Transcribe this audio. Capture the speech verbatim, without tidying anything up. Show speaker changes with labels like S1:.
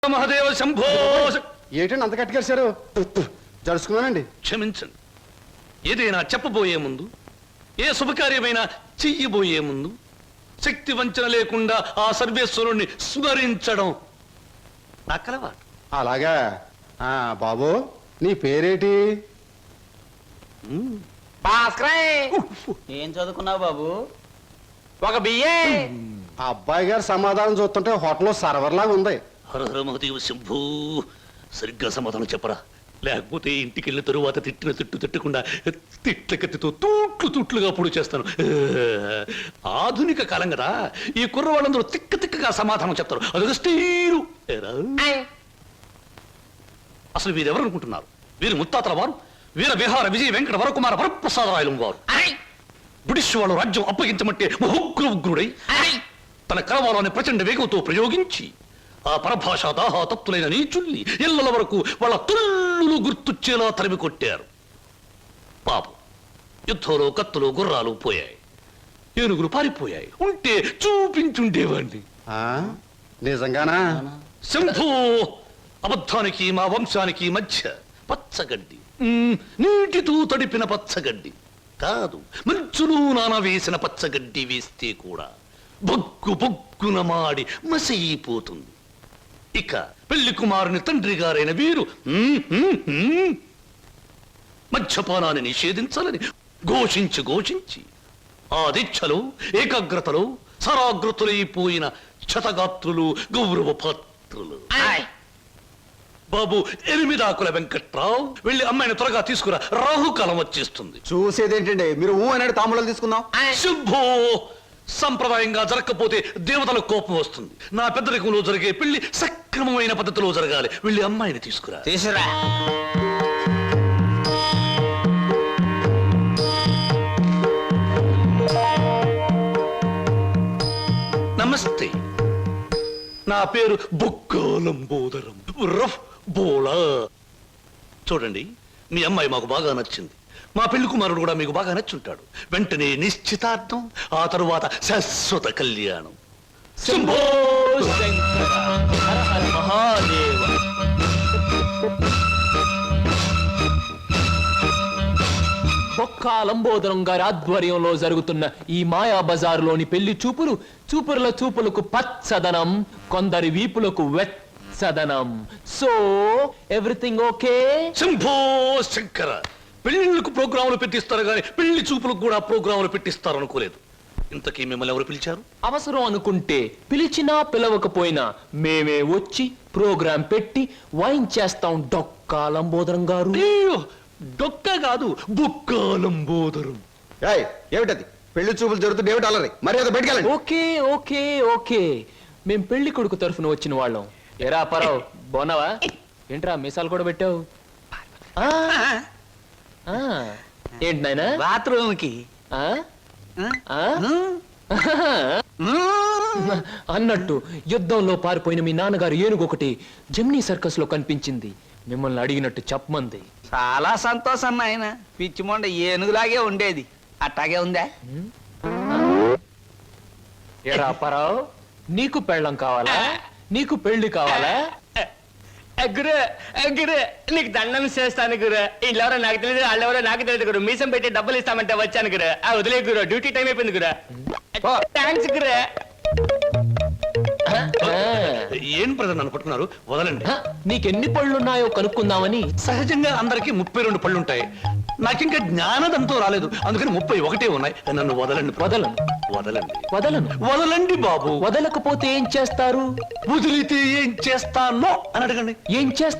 S1: మహాదేవ శంభో.
S2: ఏంటండి అంత కట్టుకేశారు? జరుచుకున్నానండి.
S1: క్షమించండి. ఏదైనా చెప్పబోయే ముందు, ఏ శుభకార్యమైనా చెయ్యబోయే ముందు శక్తి వంచన లేకుండా ఆ సర్వేశ్వరుణ్ణి స్మరించడం నా కలవాటు.
S2: అలాగా. ఆ బాబు, నీ పేరేటి?
S3: ఏం చదువుకున్నావు బాబు? ఒక బిఏ.
S2: ఆ అబ్బాయి గారు సమాధానం చూస్తుంటే హోటల్లో సర్వర్ లాగా ఉంది.
S1: హరహర మహదేవ శంభూ. సరిగ్గా సమాధానం చెప్పరా, లేకపోతే ఇంటికి వెళ్ళిన తరువాత తిట్టిన తిట్టు తిట్టకుండా తిట్ల కత్తితో తూట్లు తూట్లుగా పొడి చేస్తాను. ఆధునిక కాలం కదా, ఈ కుర్రవాళ్ళందరూ తిక్క తిక్కగా సమాధానం చెప్తారు. అదొక స్టీరు. అసలు వీరెవరు అనుకుంటున్నారు? వీరు ముత్తాతల వారు వీర విహార విజయ వెంకట వరకుమార వరప్రసాదరాయలు వారు. బ్రిటిష్ వాళ్ళు రాజ్యం అప్పగించమంటే ఉగ్ర ఉగ్రుడై తన కరవాలని ప్రచండ వేగంతో ప్రయోగించి ఆ పరభాషా దాహాతత్తులైన నీచుల్ని ఇళ్ల వరకు వాళ్ళ తుల్లులు గుర్తుచ్చేలా తరిమి కొట్టారు. పాపం, యుద్ధంలో కత్తులు గుర్రాలు పోయాయి, ఏనుగులు పారిపోయాయి. ఉంటే చూపించుండేవాడిని.
S2: నిజంగానా?
S1: శంభూ. అబద్ధానికి మా వంశానికి మధ్య పచ్చగడ్డి, నీటితో తడిపిన పచ్చగడ్డి కాదు, మంచులు నాన వేసిన పచ్చగడ్డి వేస్తే కూడా బొగ్గు బొగ్గున మాడి మసైపోతుంది. ఇక పెళ్లి కుమారుని తండ్రి గారైన వీరు మద్యపానాన్ని నిషేధించాలని ఘోషించి ఘోషించి ఆ దీక్షలో ఏకాగ్రతలో సరాగ్రతులైపోయిన క్షతగాత్రులు గౌరవ పాత్రులు. బాబు ఎనిమిదాకుల వెంకట్రావు, వెళ్ళి అమ్మాయిని త్వరగా తీసుకురా, రాహుకాలం వచ్చేస్తుంది.
S2: చూసేదేంటండి, మీరు ఊ అనేది తాములు తీసుకుందాం.
S1: శుభో. సంప్రదాయంగా జరగకపోతే దేవతలకు కోపం వస్తుంది. నా పెద్దరికంలో జరిగే పెళ్లి సక్రమమైన పద్ధతిలో జరగాలి. వెళ్ళి అమ్మాయిని తీసుకురా.
S3: తీసురా.
S1: నమస్తే, నా పేరు బొక్కాలంబోదరం రఫ్ బోలా. చూడండి, మీ అమ్మాయి మాకు బాగా నచ్చింది. మా పెళ్లి కుమారుడు కూడా మీకు బాగా నచ్చుంటాడు. వెంటనే నిశ్చితార్థం, ఆ తరువాత శాశ్వత కళ్యాణం. శంభో
S3: శంకర హర హర మహాదేవ.
S4: బొక్కా లంబోదరం గారి ఆధ్వర్యంలో జరుగుతున్న ఈ మాయా బజారులోని పెళ్లి చూపులు చూపుల చూపులకు పచ్చదనం, కొందరి వీపులకు వెచ్చదనం. So everything okay?
S1: Shambho Shankara. పెళ్లిళ్ళకు ప్రోగ్రాములు పెట్టిస్తారు కానీ పెళ్లి చూపులకు కూడా ప్రోగ్రాములు పెట్టిస్తారు అనుకోలేదు. ఇంతకీ మిమ్మల్ని ఎవరు పిలిచారు?
S4: అవసరం అనుకుంటే పిలిచినా పిలవకపోయినా మేమే వచ్చి ప్రోగ్రాం పెట్టి వాయించేస్తాం. డొక్కా లంబోదరం గారు.
S1: అయ్యో, డొక్క కాదు, బొక్కాలంబోదరం.
S2: ఏమిటది? పెళ్లి చూపులు జరుగుతుంది, ఏమిటి అలరి? మరి అది బయటకెళ్ళండి.
S4: ఓకే ఓకే ఓకే మేం పెళ్లి కొడుకు తరఫున వచ్చిన వాళ్ళం. ఎరా పరావు, బోనవా? ఏంట్రా మీసాలు కూడా పెట్టావు? ఏంటి నాయనా?
S3: బాత్రూమ్ కి
S4: అన్నట్టు యుద్ధంలో పారిపోయిన మీ నాన్నగారు ఏనుగు ఒకటి జమ్నీ సర్కస్ లో కనిపించింది. మిమ్మల్ని అడిగినట్టు చెప్పమంది.
S3: చాలా సంతోషం నాయన. పిచ్చి మొండ ఏనుగులాగే ఉండేది, అట్టాగే ఉందా?
S4: ఎరా పరావు, నీకు పెళ్ళం కావాలా? నీకు పెళ్లి కావాలా?
S5: గురు గురు నీకు దండం చేస్తాను గురు. వీళ్ళెవరో నాకు తెలియదు, వాళ్ళెవరో నాకు తెలియదు గురు. మీసం పెట్టి డబ్బులు ఇస్తామంటే వచ్చాను గురు. ఆ వదిలే గురు, డ్యూటీ టైం అయిపోయింది గురు. థ్యాంక్స్ గురు.
S1: ఏం ప్రజలు నన్ను పట్టుకున్నారు? వదలండి.
S4: నీకెన్ని పళ్ళున్నాయో కనుక్కుందామని.
S1: సహజంగా అందరికి ముప్పై రెండు పళ్ళుంటాయి. నాకింకా జ్ఞానదంతో రాలేదు, అందుకని ముప్పై ఒకటే ఉన్నాయి. నన్ను వదలండి.
S4: వదలను
S1: వదలండి.
S4: వదలను
S1: వదలండి బాబు.
S4: వదలకపోతే ఏం చేస్తారు?
S1: వదిలితే ఏం చేస్తానో అని అడగండి.
S4: ఏం చేస్తారు?